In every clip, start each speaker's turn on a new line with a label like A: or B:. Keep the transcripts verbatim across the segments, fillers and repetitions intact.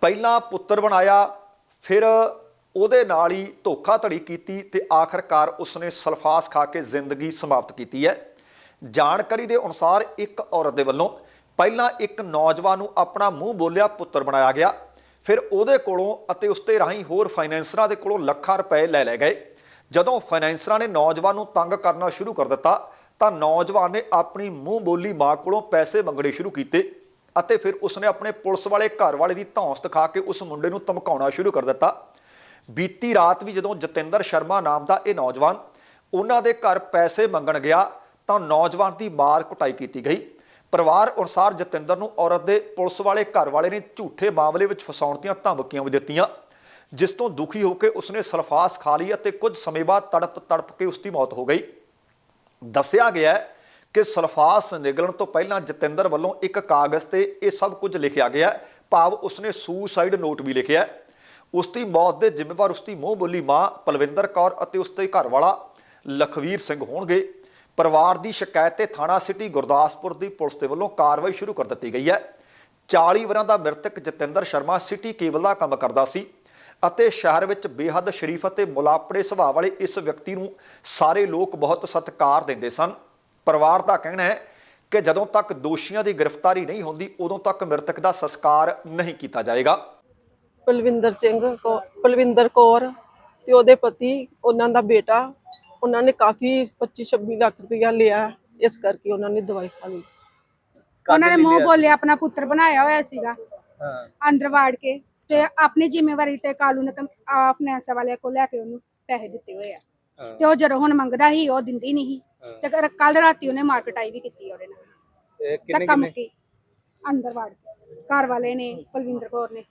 A: ਪਹਿਲਾਂ ਪੁੱਤਰ ਬਣਾਇਆ, ਫਿਰ ਉਹਦੇ ਨਾਲ ਹੀ ਧੋਖਾਧੜੀ ਕੀਤੀ ਤੇ ਆਖਰਕਾਰ ਉਸਨੇ ਸਲਫਾਸ ਖਾ ਕੇ ਜ਼ਿੰਦਗੀ ਸਮਾਪਤ ਕੀਤੀ ਹੈ। ਜਾਣਕਾਰੀ ਦੇ ਅਨੁਸਾਰ ਇੱਕ ਔਰਤ ਦੇ ਵੱਲੋਂ ਪਹਿਲਾਂ ਇੱਕ ਨੌਜਵਾਨ ਨੂੰ ਆਪਣਾ ਮੂੰਹ ਬੋਲਿਆ ਪੁੱਤਰ ਬਣਾਇਆ ਗਿਆ, ਫਿਰ ਉਹਦੇ ਕੋਲੋਂ ਅਤੇ ਉਸਦੇ ਰਾਹੀਂ ਹੋਰ ਫਾਈਨੈਂਸਰਾਂ ਦੇ ਕੋਲੋਂ ਲੱਖਾਂ ਰੁਪਏ ਲੈ ਲਏ ਗਏ। ਜਦੋਂ ਫਾਈਨੈਂਸਰਾਂ ਨੇ ਨੌਜਵਾਨ ਨੂੰ ਤੰਗ ਕਰਨਾ ਸ਼ੁਰੂ ਕਰ ਦਿੱਤਾ ਤਾਂ ਨੌਜਵਾਨ ਨੇ ਆਪਣੀ ਮੂੰਹ ਬੋਲੀ ਮਾਂ ਕੋਲੋਂ ਪੈਸੇ ਮੰਗਣੇ ਸ਼ੁਰੂ ਕੀਤੇ ਅਤੇ ਫਿਰ ਉਸਨੇ ਆਪਣੇ ਪੁਲਿਸ ਵਾਲੇ ਘਰ ਵਾਲੇ ਦੀ ਧੌਂਸ ਦਿਖਾ ਕੇ ਉਸ ਮੁੰਡੇ ਨੂੰ ਧਮਕਾਉਣਾ ਸ਼ੁਰੂ ਕਰ ਦਿੱਤਾ। ਬੀਤੀ ਰਾਤ ਵੀ ਜਦੋਂ ਜਤਿੰਦਰ ਸ਼ਰਮਾ ਨਾਮ ਦਾ ਇਹ ਨੌਜਵਾਨ ਉਹਨਾਂ ਦੇ ਘਰ ਪੈਸੇ ਮੰਗਣ ਗਿਆ ਤਾਂ ਨੌਜਵਾਨ ਦੀ ਮਾਰ ਕੁਟਾਈ ਕੀਤੀ ਗਈ। ਪਰਿਵਾਰ ਅਨੁਸਾਰ ਜਤਿੰਦਰ ਨੂੰ ਔਰਤ ਦੇ ਪੁਲਿਸ ਵਾਲੇ ਘਰ ਵਾਲੇ ਨੇ ਝੂਠੇ ਮਾਮਲੇ ਵਿੱਚ ਫਸਾਉਣ ਦੀਆਂ ਧਮਕੀਆਂ ਵੀ ਦਿੱਤੀਆਂ, ਜਿਸ ਤੋਂ ਦੁਖੀ ਹੋ ਕੇ ਉਸਨੇ ਸਲਫਾਸ ਖਾ ਲਈ ਅਤੇ ਕੁਝ ਸਮੇਂ ਬਾਅਦ ਤੜਪ ਤੜਪ ਕੇ ਉਸ ਦੀ ਮੌਤ ਹੋ ਗਈ। ਦੱਸਿਆ ਗਿਆ ਕਿ ਸਲਫਾਸ ਨਿਗਲਣ ਤੋਂ ਪਹਿਲਾਂ ਜਤਿੰਦਰ ਵੱਲੋਂ ਇੱਕ ਕਾਗਜ਼ ਤੇ ਇਹ ਸਭ ਕੁਝ ਲਿਖਿਆ ਗਿਆ, ਭਾਵ ਉਸਨੇ ਸੁਸਾਈਡ ਨੋਟ ਵੀ ਲਿਖਿਆ। ਉਸ ਦੀ ਮੌਤ ਦੇ ਜ਼ਿੰਮੇਵਾਰ ਉਸ ਦੀ ਮੂੰਹ ਬੋਲੀ ਮਾਂ ਪਲਵਿੰਦਰ ਕੌਰ ਅਤੇ ਉਸ ਦੇ ਘਰ ਵਾਲਾ ਲਖਵੀਰ ਸਿੰਘ ਹੋਣਗੇ। ਪਰਿਵਾਰ ਦੀ ਸ਼ਿਕਾਇਤ ਤੇ ਥਾਣਾ ਸਿਟੀ ਗੁਰਦਾਸਪੁਰ ਦੀ ਪੁਲਿਸ ਦੇ ਵੱਲੋਂ ਕਾਰਵਾਈ ਸ਼ੁਰੂ ਕਰ ਦਿੱਤੀ ਗਈ ਹੈ। ਚਾਲੀ ਵਰ੍ਹਿਆਂ ਦਾ ਮ੍ਰਿਤਕ ਜਤਿੰਦਰ ਸ਼ਰਮਾ ਸਿਟੀ ਕੇਬਲ ਦਾ ਕੰਮ ਕਰਦਾ ਸੀ ਅਤੇ ਸ਼ਹਿਰ ਵਿੱਚ ਬੇਹੱਦ ਸ਼ਰੀਫ ਅਤੇ ਮੁਲਾਪੜੇ ਸੁਭਾਅ ਵਾਲੇ ਇਸ ਵਿਅਕਤੀ ਨੂੰ ਸਾਰੇ ਲੋਕ ਬਹੁਤ ਸਤਿਕਾਰ ਦਿੰਦੇ ਸਨ। ਪਰਿਵਾਰ ਦਾ ਕਹਿਣਾ ਹੈ ਕਿ ਜਦੋਂ ਤੱਕ ਦੋਸ਼ੀਆਂ ਦੀ ਗ੍ਰਿਫਤਾਰੀ ਨਹੀਂ ਹੁੰਦੀ ਉਦੋਂ ਤੱਕ ਮ੍ਰਿਤਕ ਦਾ ਸੰਸਕਾਰ ਨਹੀਂ ਕੀਤਾ ਜਾਏਗਾ।
B: ਪਲਵਿੰਦਰ ਸਿੰਘ ਕੌ ਪਲਵਿੰਦਰ ਕੌਰ ਤੇ ਉਹਦੇ ਪਤੀ, ਉਹਨਾਂ ਦਾ ਬੇਟਾ, ਉਹਨਾਂ ਨੇ ਕਾਫੀ ਪੱਚੀ ਛੱਬੀ ਲੱਖ ਰੁਪਇਆ ਲਿਆ, ਇਸ ਕਰਕੇ ਉਹਨਾਂ ਨੇ ਦਵਾਈ ਖਾ ਲਈ ਸੀ।
C: ਉਹਨਾਂ ਨੇ ਮੂੰਹ ਬੋਲੇ ਆਪਣਾ ਪੁੱਤਰ ਬਣਾਇਆ ਹੋਇਆ ਸੀਗਾ, ਅੰਦਰ ਵਾੜ ਕੇ ਤੇ ਆਪਣੀ ਜ਼ਿੰਮੇਵਾਰੀ ਤੇ ਕਾਲੂ ਨੇ ਫਾਈਨੈਂਸ ਵਾਲਿਆਂ ਕੋਲ ਲੈ ਕੇ ਉਹਨੂੰ ਪੈਸੇ ਦਿੱਤੇ ਹੋਏ ਆ ਤੇ ਉਹ ਜਦੋਂ ਹੁਣ ਮੰਗਦਾ ਸੀ ਉਹ ਦਿੰਦੀ ਨਹੀਂ ਤੇ ਕੱਲ ਰਾਤੀ ਉਹਨੇ ਮਾਰਕਟਾਈ ਵੀ ਕੀਤੀ ਉਹਦੇ ਨਾਲ। ਕਿੰਨੇ ਕੰਮ ਕੀ ਅੰਦਰ ਵਾੜ ਕੇ ਘਰ ਵਾਲੇ ਨੇ, ਪਲਵਿੰਦਰ ਕੌਰ ਨੇ।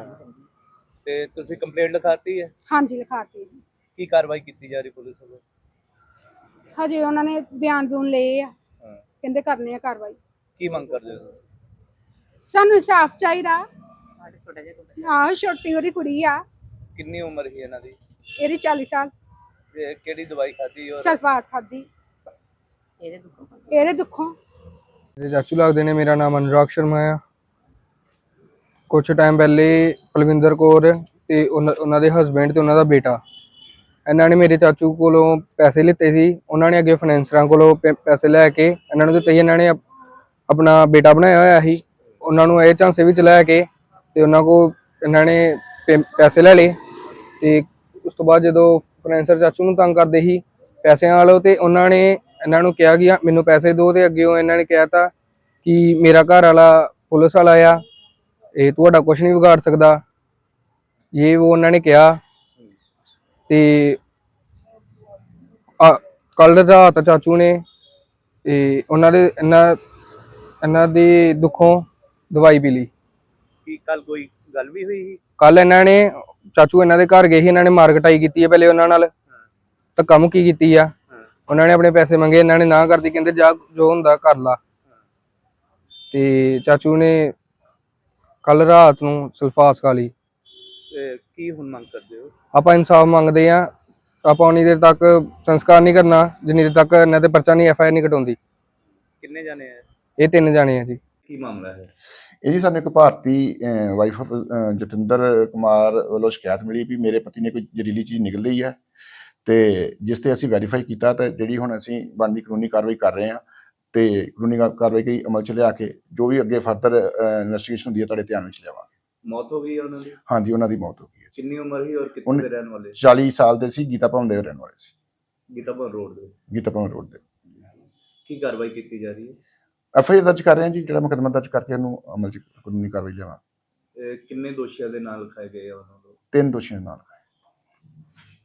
D: ਤੇ ਤੁਸੀਂ ਕੰਪਲੇਂਟ ਲਿਖਾਤੀ ਹੈ?
C: ਹਾਂਜੀ ਲਿਖਾਤੀ।
D: ਕੀ ਕਾਰਵਾਈ ਕੀਤੀ ਜਾ ਰਹੀ ਪੁਲਿਸ ਵੱਲੋਂ?
C: ਹਜੇ ਉਹਨਾਂ ਨੇ ਬਿਆਨ ਬੂਨ ਲਏ ਆ, ਕਹਿੰਦੇ ਕਰਨੇ ਆ ਕਾਰਵਾਈ।
D: ਕੀ ਮੰਗ ਕਰਦੇ ਹੋ?
C: ਸਾਨੂੰ ਇਨਸਾਫ ਚਾਹੀਦਾ। ਆਹ ਛੋਟੀ ਉਹਦੀ ਕੁੜੀ ਆ।
D: ਕਿੰਨੀ ਉਮਰ ਸੀ ਇਹਨਾਂ ਦੀ?
C: ਇਹਦੀ ਚਾਲੀ ਸਾਲ।
D: ਤੇ ਕਿਹੜੀ ਦਵਾਈ ਖਾਧੀ? ਔਰ
C: ਸਲਫਾਸ ਖਾਧੀ ਇਹਦੇ ਦੁੱਖੋਂ ਇਹਦੇ ਦੁੱਖੋਂ
E: ਚਾਚੂ ਲੱਗਦੇ ਨੇ। ਮੇਰਾ ਨਾਮ ਅਨੁਰਾਗ ਸ਼ਰਮਾ ਆ। ਕੁਛ ਟਾਈਮ ਪਹਿਲੇ ਪਲਵਿੰਦਰ ਕੌਰ ਤੇ ਉਹਨਾਂ ਦੇ ਹਸਬੈਂਡ ਤੇ ਉਹਨਾਂ ਦਾ ਬੇਟਾ, ਇਹਨਾਂ ਨੇ ਮੇਰੇ ਚਾਚੂ ਕੋਲੋਂ ਪੈਸੇ ਲਿੱਤੇ ਸੀ। ਉਹਨਾਂ ਨੇ ਅੱਗੇ ਫਾਈਨੈਂਸਰਾਂ ਕੋਲੋਂ ਪੈਸੇ ਲੈ ਕੇ ਇਹਨਾਂ ਨੂੰ ਦਿੱਤੇ। ਇਹਨਾਂ ਨੇ ਆਪਣਾ ਬੇਟਾ ਬਣਾਇਆ ਹੋਇਆ ਸੀ, ਉਹਨਾਂ ਨੂੰ ਇਹ ਝਾਂਸੇ ਵਿੱਚ ਲੈ ਕੇ ਤੇ ਉਹਨਾਂ ਕੋਲ ਇਹਨਾਂ ਨੇ ਪੈਸੇ ਲੈ ਲਏ। ਤੇ ਉਸ ਤੋਂ ਬਾਅਦ ਜਦੋਂ ਫਾਈਨੈਂਸਰ ਚਾਚੂ ਨੂੰ ਤੰਗ ਕਰਦੇ ਸੀ ਪੈਸਿਆਂ ਵਾਲੋ, ਤੇ ਉਹਨਾਂ ਨੇ ਇਹਨਾਂ ਨੂੰ ਕਿਹਾ ਕਿ ਮੈਨੂੰ ਪੈਸੇ ਦਿਓ, ਤੇ ਅੱਗੇ ਇਹਨਾਂ ਨੇ ਕਿਹਾ ਤਾ ਕਿ ਮੇਰਾ ਘਰ ਵਾਲਾ ਪੁਲਿਸ ਵਾਲਾ ਆ, ਇਹ ਤੁਹਾਡਾ ਕੁਛ ਨਹੀਂ ਵਿਗਾੜ ਸਕਦਾ, ਇਹ ਉਹ ਉਹਨਾਂ ਨੇ ਕਿਹਾ। ਤੇ ਕੱਲ ਰਾਤ ਚਾਚੂ ਨੇ ਇਹ ਉਹਨਾਂ ਦੇ ਇਹਨਾਂ ਇਹਨਾਂ ਦੀ ਦੁੱਖੋਂ ਦਵਾਈ ਪੀ ਲਈ।
D: ਕੀ ਕੱਲ ਕੋਈ ਗੱਲ ਵੀ ਹੋਈ ਸੀ?
E: ਕੱਲ ਇਹਨਾਂ ਨੇ ਚਾਚੂ ਇਹਨਾਂ ਦੇ ਘਰ ਗਏ ਸੀ, ਇਹਨਾਂ ਨੇ ਮਾਰਕਟਾਈ ਕੀਤੀ ਹੈ ਪਹਿਲੇ ਉਹਨਾਂ ਨਾਲ, ਤਾਂ ਕੰਮ ਕੀ ਕੀਤੀ ਆ। ਉਹਨਾਂ ਨੇ ਆਪਣੇ ਪੈਸੇ ਮੰਗੇ, ਇਹਨਾਂ ਨੇ ਨਾ ਕਰਦੀ, ਕਹਿੰਦੇ ਜਾ ਜੋ ਹੁੰਦਾ ਕਰ ਲਾ। ਤੇ ਚਾਚੂ ਨੇ ਕੱਲ ਰਾਤ ਨੂੰ ਸਲਫਾਸ ਖਾ ਲਈ।
D: ਕੀ ਹੁਣ ਮੰਗ ਕਰਦੇ ਹੋ?
E: ਆਪਾਂ ਇਨਸਾਫ ਮੰਗਦੇ ਆ। ਆਪਾਂ ਉਨੀ ਦੇਰ ਤੱਕ ਸੰਸਕਾਰ ਨਹੀਂ ਕਰਨਾ ਜਿੰਨੀ ਦੇਰ ਤੱਕ ਇਹਨਾਂ ਤੇ ਪਰਚਾ ਨਹੀਂ, ਐਫ ਆਈ ਆਰ ਨਹੀਂ ਕਟਾਉਂਦੀ।
D: ਕਿੰਨੇ ਜਾਣੇ ਆ?
E: ਇਹ ਤਿੰਨ ਜਾਣੇ ਆ ਜੀ।
D: ਕੀ ਮਾਮਲਾ ਹੈ
F: ਇਹ ਜੀ? ਸਾਨੂੰ ਇੱਕ ਭਾਰਤੀ ਵਾਈਫ ਆਫ ਜਤਿੰਦਰ ਕੁਮਾਰ ਵੱਲੋਂ ਸ਼ਿਕਾਇਤ ਮਿਲੀ ਵੀ ਮੇਰੇ ਪਤੀ ਨੇ ਕੋਈ ਜ਼ਹਿਰੀਲੀ ਚੀਜ਼ ਨਿਕਲ ਲਈ ਹੈ, ਤੇ ਜਿਸ ਤੇ ਅਸੀਂ ਵੈਰੀਫਾਈ ਕੀਤਾ ਤੇ ਜਿਹੜੀ ਹੁਣ ਅਸੀਂ ਬਣਦੀ ਕਾਨੂੰਨੀ ਕਾਰਵਾਈ ਕਰ ਰਹੇ ਹਾਂ, ਤੇ ਕਾਨੂੰਨੀ ਕਾਰਵਾਈ ਕਈ ਅਮਲ 'ਚ ਲਿਆ ਕੇ ਜੋ ਵੀ ਅੱਗੇ ਫਰਦਰ ਇਨਵੈਸਟੀਗੇਸ਼ਨ ਹੁੰਦੀ ਹੈ ਤੁਹਾਡੇ ਧਿਆਨ ਵਿੱਚ ਲਿਆਵਾਂਗੇ।
D: ਮੌਤ ਹੋ ਗਈ ਹੈ ਉਹਨਾਂ ਦੀ?
F: ਹਾਂਜੀ, ਉਹਨਾਂ ਦੀ ਮੌਤ ਹੋ ਗਈ ਹੈ।
D: ਕਿੰਨੀ ਉਮਰ ਸੀ ਔਰ ਕਿੱਥੇ ਦੇ ਰਹਿਣ ਵਾਲੇ?
F: ਚਾਲੀ ਸਾਲ ਦੇ ਸੀ, ਗੀਤਾ ਭਵਨ ਦੇ ਰਹਿਣ ਵਾਲੇ ਸੀ।
D: ਗੀਤਾ ਭਵਨ ਰੋਡ ਦੇ?
F: ਗੀਤਾ ਭਵਨ ਰੋਡ ਦੇ।
D: ਕੀ ਕਾਰਵਾਈ ਕੀਤੀ ਜਾ ਰਹੀ ਹੈ?
F: ਐਫ ਆਈ ਆਰ ਦਰਜ ਕਰ ਰਹੇ ਹਾਂ ਜੀ, ਜਿਹੜਾ ਮੁਕੱਦਮਾ ਦਰਜ ਕਰਕੇ ਉਹਨੂੰ ਅਮਲ 'ਚ ਕਾਨੂੰਨੀ ਕਾਰਵਾਈ ਲਿਆਵਾਂਗੇ।
D: ਕਿੰਨੇ ਦੋਸ਼ੀਆਂ ਦੇ ਨਾਲ ਲਿਖਾਏ ਗਏ ਆ ਉਹਨਾਂ ਨੂੰ?
F: ਤਿੰਨ ਦੋਸ਼ੀਆਂ ਨਾਲ।